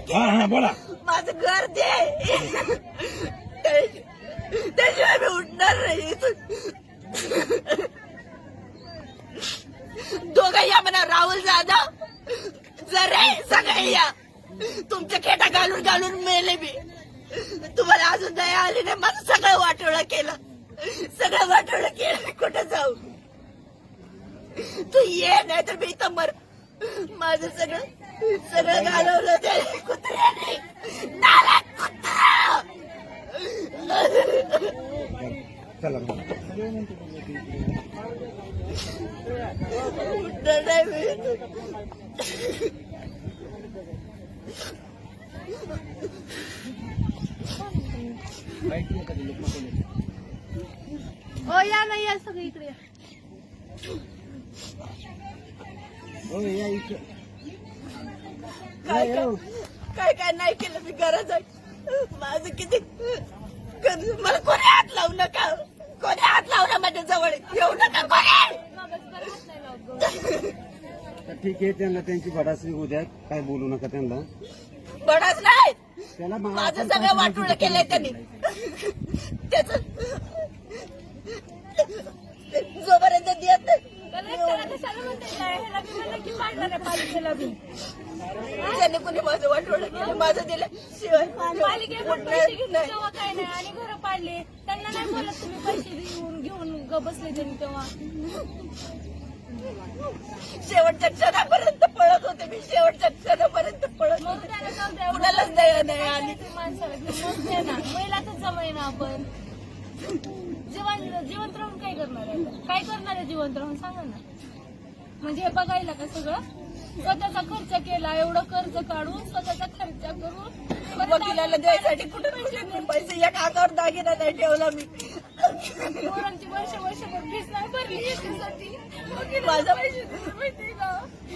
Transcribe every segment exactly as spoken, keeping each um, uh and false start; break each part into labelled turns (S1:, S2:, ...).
S1: केलं
S2: बोला
S1: माझं घर दे त्याशिवाय मी उठणार नाही इथून. दोघं या म्हणा राहुल जाधव जरे सगळे या तुमच्या खेटा घालून घालून मेले मी. तुम्हाला अजून दया आली नाही. माझं सगळं वाटोळं केलं सगळं वाटोळं केलं. कुठं जाऊ तू ये नाही तर मी इथं मर. माझं सगळं सगळं घालवलं ते कुत्र्याने नालायक कुत्रा.
S2: चला
S1: उठणार नाही मी.
S3: हो या नाही या सगळी इकडे या.
S1: काय काय काय नाही केलं मी घरात जाऊन. माझं किती मला कोणी हात लावू नका. कोणी हात लावला माझ्या जवळ येऊ नका कोणी.
S2: ठीक आहे त्यांना त्यांची भडासरी होऊ द्या काय बोलू नका त्यांना.
S1: बडाच नाही
S2: त्याला
S1: माझं सगळं वाटोळं केलंय त्यांनी. त्याच जोपर्यंत देत नाही त्यांनी कोणी माझं वाटोळं केलं माझं दिलं शिवाय
S3: काय नाही आणि घर पाडले त्यांना नाही बोलत तुम्ही पैसे देऊन घेऊन ग बसले त्यांनी तेव्हा.
S1: शेवटच्या क्षणापर्यंत पळत होते मी. शेवटच्या क्षणापर्यंत पळत होते. कुणालाच दया नाही आली.
S3: माणसाला ना महिलाच जमाय ना आपण जीवन जिवंत राहून काय करणार आहे. काय करणार आहे जिवंत राहून सांगा ना. म्हणजे हे बघायला का सगळं स्वतःचा खर्च केला एवढं कर्ज काढून स्वतःचा खर्च करून
S1: वकिलाला द्यायसाठी कुठे पैसे या काकावर दागिना नाही ठेवला मी.
S3: पोरांची वर्ष वर्षभर फीस नाही भरली याच्यासाठी
S1: माझा
S3: पैसे माहिती का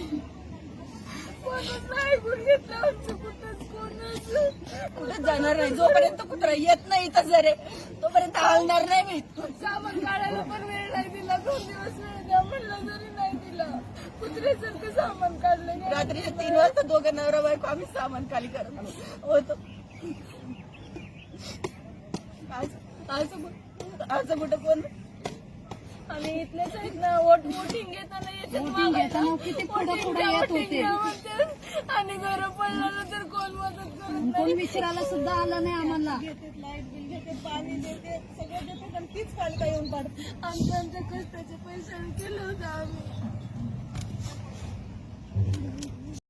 S3: कोणच नाही ऐकून घेतलं आमचं कुठंच कोणच
S1: कुठे जाणार नाही. जोपर्यंत कुत्रा येत नाही तर जरे तोपर्यंत हलणार नाही मी.
S3: सामान काढायला पण वेळ नाही दिला. दोन दिवस वेळ द्या म्हणलं तरी नाही दिला. कुत्र्यासारखं सामान काढलं.
S1: रात्रीच्या तीन वाजता दोघं नवरा बायको आम्ही सामान खाली करत होतो. आज आज आज कुठं कोण
S3: आम्ही इथलेच आहेत ना. वोट वोटिंग घेताना याच्यात
S4: किती पुढे पुढे येत होते
S3: आणि घर पडलं तर कोण मदत करत
S4: कोण विचारायला सुद्धा आलं नाही आम्हाला.
S1: घेते लाईट बिल घेते पाणी देते सगळं देते पण तीच पालिका येऊन पडते.
S3: आमच्या आमच्या कष्टाचे पैसे केलं होतं आम्ही.